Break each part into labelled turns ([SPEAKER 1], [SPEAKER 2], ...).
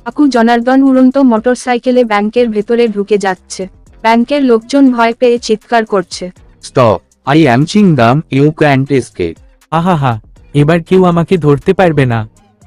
[SPEAKER 1] কাকু জনার্দন উড়ন্ত মোটরসাইকেলে ব্যাংকের ভেতরে ঢুকে যাচ্ছে। ব্যাংকের লোকজন ভয় পেয়ে চিৎকার করছে।
[SPEAKER 2] Stop! I am Chingam, you can't escape.
[SPEAKER 3] আহাহা, এবার কেউ আমাকে ধরতে পারবে না।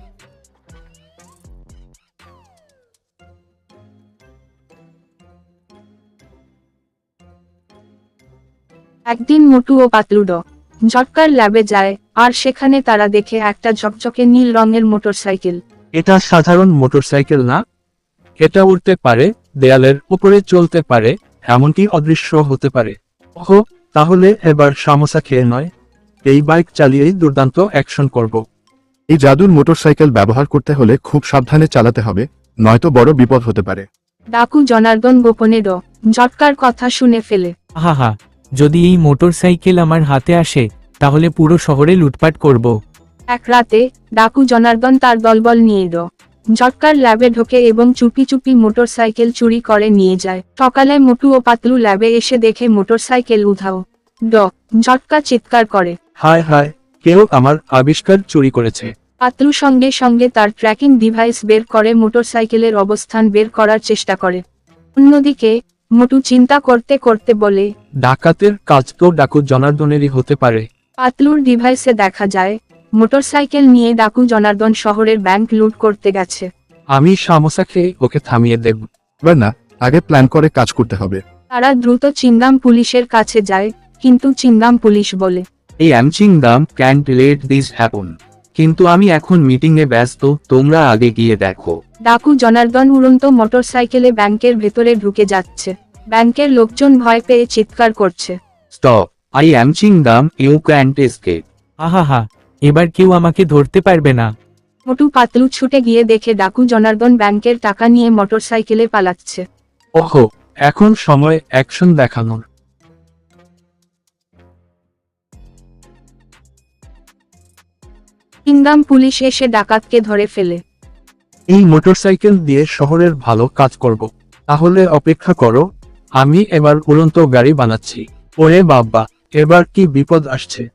[SPEAKER 1] একদিন মোটু ও পাতলু ঝটকার ল্যাবে যায়, আর সেখানে তারা দেখে একটা ঝকঝকে নীল রঙের মোটরসাইকেল।
[SPEAKER 2] এটা সাধারণ মোটরসাইকেল না, এটা উড়তে পারে, দেয়ালের উপরে চলতে পারে, এমনকি অদৃশ্য হতে পারে। ওহো, তাহলে এবার সমোসা খেয়ে নয়, এই বাইক চালিয়েই দুর্দান্ত অ্যাকশন করব।
[SPEAKER 4] এই জাদুর মোটরসাইকেল ব্যবহার করতে হলে খুব সাবধানে চালাতে হবে, নয়তো বড় বিপদ হতে পারে।
[SPEAKER 1] ডাকু জনার্দন গোপনে ঝটকার কথা শুনে ফেলে।
[SPEAKER 3] আহাহা, যদি এই মোটরসাইকেল আমার হাতে আসে তাহলে পুরো শহরে লুটপাট করব।
[SPEAKER 1] এক রাতে ডাকু জনার্দন তার দলবল নিয়ে ঝটকার ল্যাবে ঢোকে এবং চুপি চুপি মোটরসাইকেল চুরি করে নিয়ে যায়। সকালে মোটু ও পাতলু ল্যাবে এসে দেখে মোটরসাইকেল উধাও। ঝটকা চিৎকার করে,
[SPEAKER 2] হায় হায়, কেউ আমার আবিষ্কার চুরি করেছে।
[SPEAKER 1] পাতলু সঙ্গে সঙ্গে তার ট্র্যাকিং ডিভাইস বের করে মোটরসাইকেলের অবস্থান বের করার চেষ্টা করে। অন্যদিকে মোটু চিন্তা করতে করতে বলে,
[SPEAKER 2] ডাকাতের কাজ তো ডাকু জনার্দনেরই হতে পারে।
[SPEAKER 1] পাতলুর ডিভাইসে দেখা যায় মোটরসাইকেল নিয়ে ডাকু জনার্দন শহরের ব্যাংক লুট করতে গেছে।
[SPEAKER 2] আমি সমোসা খেয়ে ওকে থামিয়ে দেব।
[SPEAKER 4] এবার না, আগে প্ল্যান করে কাজ করতে হবে।
[SPEAKER 1] তারা দ্রুত চিংগাম পুলিশের কাছে যায়, কিন্তু চিংগাম পুলিশ বলে,
[SPEAKER 2] এই am Chingam can't let this happen. কিন্তু আমি এখন মিটিংয়ে ব্যস্ত, তোমরা আগে গিয়ে দেখো।
[SPEAKER 1] ডাকু জনার্দন উড়ন্ত মোটরসাইকেলে ব্যাংকের ভেতরে ঢুকে যাচ্ছে। ব্যাংকের লোকজন ভয় পেয়ে চিৎকার করছে।
[SPEAKER 2] Stop! I am Chingam, you can't escape.
[SPEAKER 3] আহাহা, এবার কেউ আমাকে ধরতে পারবে না।
[SPEAKER 1] মোটু পাতলু ছুটে গিয়ে দেখে ডাকু জনার্দন ব্যাংকের টাকা নিয়ে মোটরসাইকেলে পালাচ্ছে।
[SPEAKER 2] ওহো, এখন সময় অ্যাকশন দেখানোর।
[SPEAKER 1] চিংগাম পুলিশ এসে ডাকাতকে ধরে ফেলে।
[SPEAKER 2] এই মোটরসাইকেল দিয়ে শহরের ভালো কাজ করব। তাহলে অপেক্ষা করো, আমি এবার উড়ন্ত গাড়ি বানাচ্ছি। ওরে বাবা, এবার কি বিপদ আসছে।